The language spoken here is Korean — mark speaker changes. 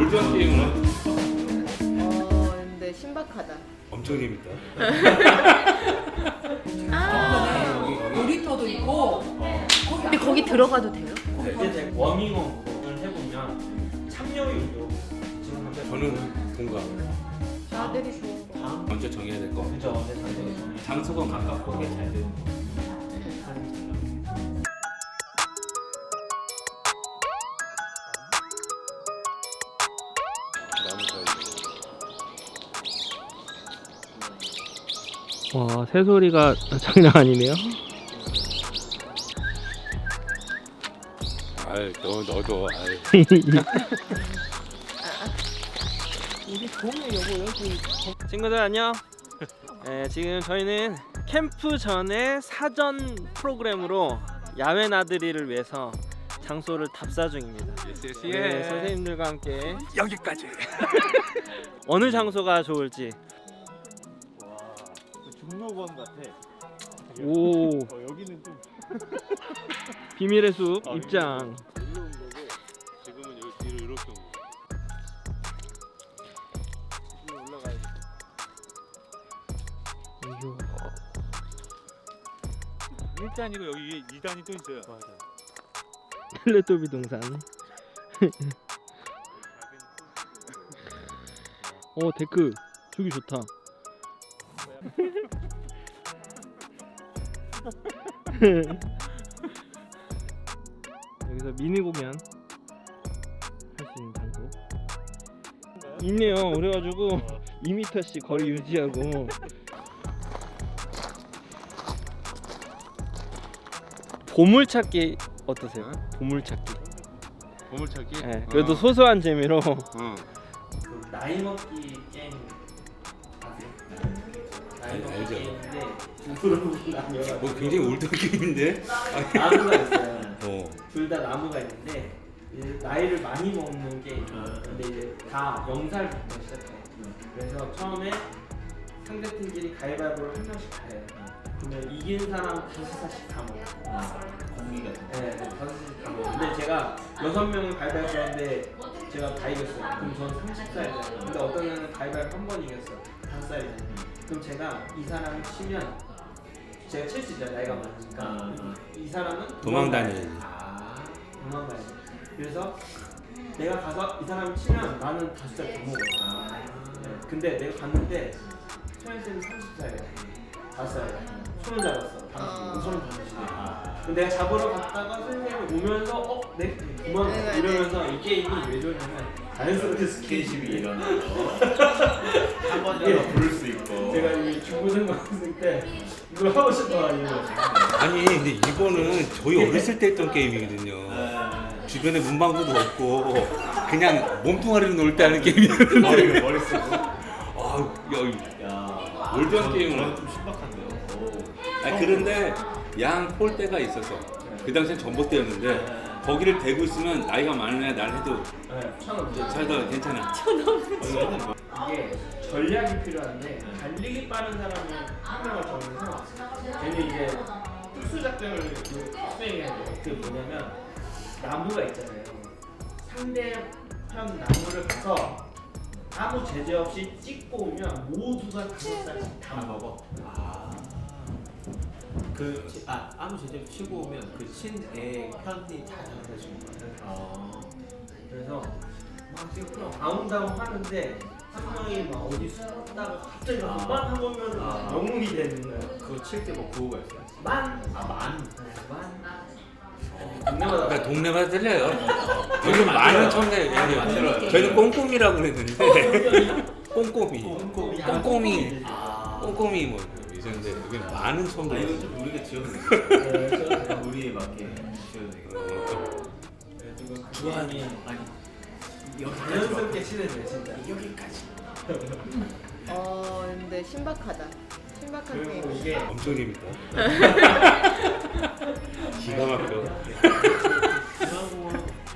Speaker 1: 올드한 게임은
Speaker 2: 근데 신박하다.
Speaker 1: 엄청 재밌다.
Speaker 3: 놀이터도 있고.
Speaker 2: 근데 거기 들어가도 돼요?
Speaker 4: 이제 워밍업을 해보면 참여율도 지금 현재
Speaker 1: 저는 동감.
Speaker 2: 나들이 좋은 거.
Speaker 1: 먼저 정해야 될 거.
Speaker 4: 그죠? 언제 사는
Speaker 1: 장소가 가깝고
Speaker 4: 게 잘 되는 거.
Speaker 5: 와, 새소리가 장난 아니네요.
Speaker 1: 아이, 너도 아이.
Speaker 5: 친구들 안녕. 지금 저희는 캠프 전에 사전 프로그램으로 야외 나들이를 위해서 장소를 답사 중입니다. 네, 선생님들과 함께
Speaker 1: 여기까지.
Speaker 5: 어느 장소가 좋을지.
Speaker 6: 중로원 같아.
Speaker 5: 오,
Speaker 6: 여기는 좀
Speaker 5: 비밀의 숲 입장.
Speaker 6: 일로 온 거고 지금은 여기 뒤로 이렇게 온 거. 위로 올라가야 돼. 일단이고 여기 위에 2단이 또 있어요. 맞아.
Speaker 5: 텔레토비 동산. 데크 저기 좋다. 여기서 미니 공연 할 수 있는 장소 있네요. 그래가지고 2m씩 거리 유지하고. 보물찾기 어떠세요? 보물찾기.
Speaker 1: 보물찾기?
Speaker 5: 네, 그래도 소소한 재미로.
Speaker 4: 그 나이 먹기 게임 아세요? 나이 먹기
Speaker 1: 알죠.
Speaker 4: 게임인데 중으로 나뉘어가지고
Speaker 1: 뭐 굉장히 올드한 게임인데.
Speaker 4: 나무가 있어요.
Speaker 1: 어.
Speaker 4: 둘 다 나무가 있는데 이제 나이를 많이 먹는 게임. 근데 이제 다 0살부터 시작해. 그래서 처음에 상대팀끼리 가위바위보를 한 명씩 다 해요. 그러면 이긴 사람 5살씩 다 먹어. 공기가. 네, 5살씩 다 먹어. 근데 제가 6명을 가위바위보 했는데 제가 다 이겼어요. 그럼 저는 30살이잖아요. 근데 어떤 애는 가위바위보 한 번 이겼어. 5살이잖아요. 그럼 제가 이 사람을 치면 제가 칠 수 있잖아요. 나이가 많으니까. 이 사람은
Speaker 1: 도망다녀야지.
Speaker 4: 도망가야지. 그래서 내가 가서 이 사람을 치면 나는 5살 더 먹어. 네. 근데 내가 갔는데 소연 쌤은 30살이야. 5살이야. 손을 잡았어. 손을 잡으시네. 근데 내가 잡으러 갔다가 선생님이 오면서 네? 그만 이러면서 이 게임이 왜 좋냐면 자연스럽게 스킨십이 일어나요. 한 번이라도 부를 수 있고. 제가 이 중고등학생 때 이걸 하고 싶어가지고.
Speaker 1: 아니 근데 이거는 저희 어렸을 때 했던 게임이거든요. 주변에 문방구도 없고 그냥 몸뚱아리로 놀 때 하는 게임이었는데.
Speaker 6: 머리 쓰고.
Speaker 1: 야, 올드한 게임은
Speaker 6: 좀 신박한데요.
Speaker 1: 그런데 양 폴대가 있어서 그 당시엔 전봇대였는데 거기를 대고 있으면 나이가 많은 애 날 해도 살다 괜찮아.
Speaker 4: 이게 전략이 필요한데 달리기 빠른 사람이 한 명을 정해서 걔는 이제 특수 작전을 수행해야 돼요. 그게 뭐냐면 나무가 있잖아요. 상대편 나무를 가서 아무 제재 없이 찍고 오면 모두가 5살씩 다 먹어.
Speaker 7: 아무 제재로 치고 오면 그 친애 편이 다 잡혀주는 거예요.
Speaker 4: 그래서 막 지금 아웅다웅 하는데 한 명이 막 어디 숨었다가 갑자기 만 하면 영웅이 되는 거야.
Speaker 7: 그거 칠 때 뭐 구호가 있어요?
Speaker 4: 만.
Speaker 7: 만.
Speaker 4: 동네마다
Speaker 1: 그러니까 동네마다 틀려요. 요즘 많은 청대 저희는 꼼꼼이라고 그랬는데 꼼꼼이 꼼꼼이 뭐 있었는데 여기 많은 청대.
Speaker 7: 이건 좀 우리가 지어도 되겠다. 우리에 맞게 지어도 되겠다.
Speaker 4: 주한이
Speaker 7: 아니
Speaker 4: 자연스럽게 친해져요 진짜.
Speaker 7: 여기까지.
Speaker 2: 근데 신박하다. 신박한
Speaker 4: 그리고
Speaker 2: 게임.
Speaker 4: 이게
Speaker 1: 엄청 재밌다. 기가 막혀.